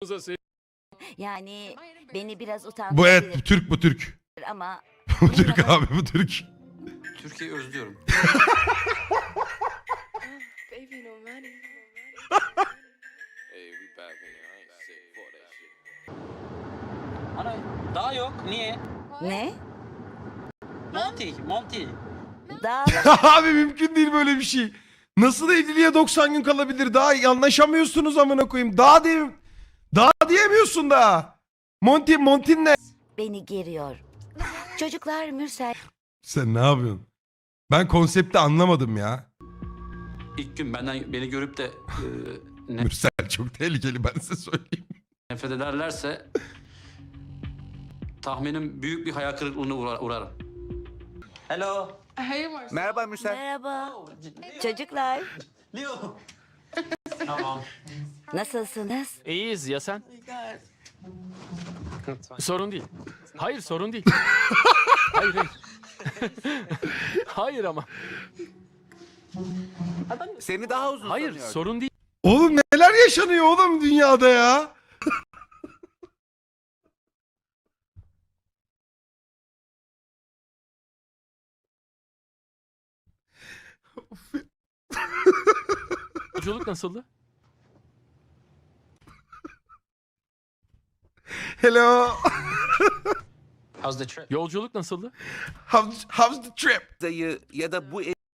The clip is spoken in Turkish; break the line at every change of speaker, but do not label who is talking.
Yani beni biraz
Bu
utandırabilir
Türk, bu Türk.
ama
Bu Türk abi, bu Türk.
Türkiye'yi özlüyorum.
Baby, no money.
Ana daha yok. Niye?
ne?
Monty.
Daha
Abi mümkün değil böyle bir şey. Nasıl evliliğe 90 gün kalabilir? Daha anlaşamıyorsunuz amına koyayım. Daha diyemiyorsun daha. Montin ne?
beni geriyor. Çocuklar Mürsel
Sen ne yapıyorsun? Ben konsepti anlamadım ya.
İlk gün beni görüp de
Mürsel çok tehlikeli, ben size söyleyeyim.
nefret ederlerse tahminim büyük bir hayal kırıklığına uğrarım.
Hello.
Hey, Marcel.
Merhaba Mürsel.
merhaba. Çocuklar
Leo. Tamam.
nasılsınız?
İyiyiz ya sen? Sorun değil. Hayır sorun değil. Hayır hayır. Hayır ama.
Seni daha uzun
Hayır
sanıyordum.
sorun değil.
Oğlum neler yaşanıyor oğlum dünyada ya?
Yolculuk nasıldı?
Hello.
How's the trip?
Yolculuk nasıldı?
How's the trip?
Dayı ya da bu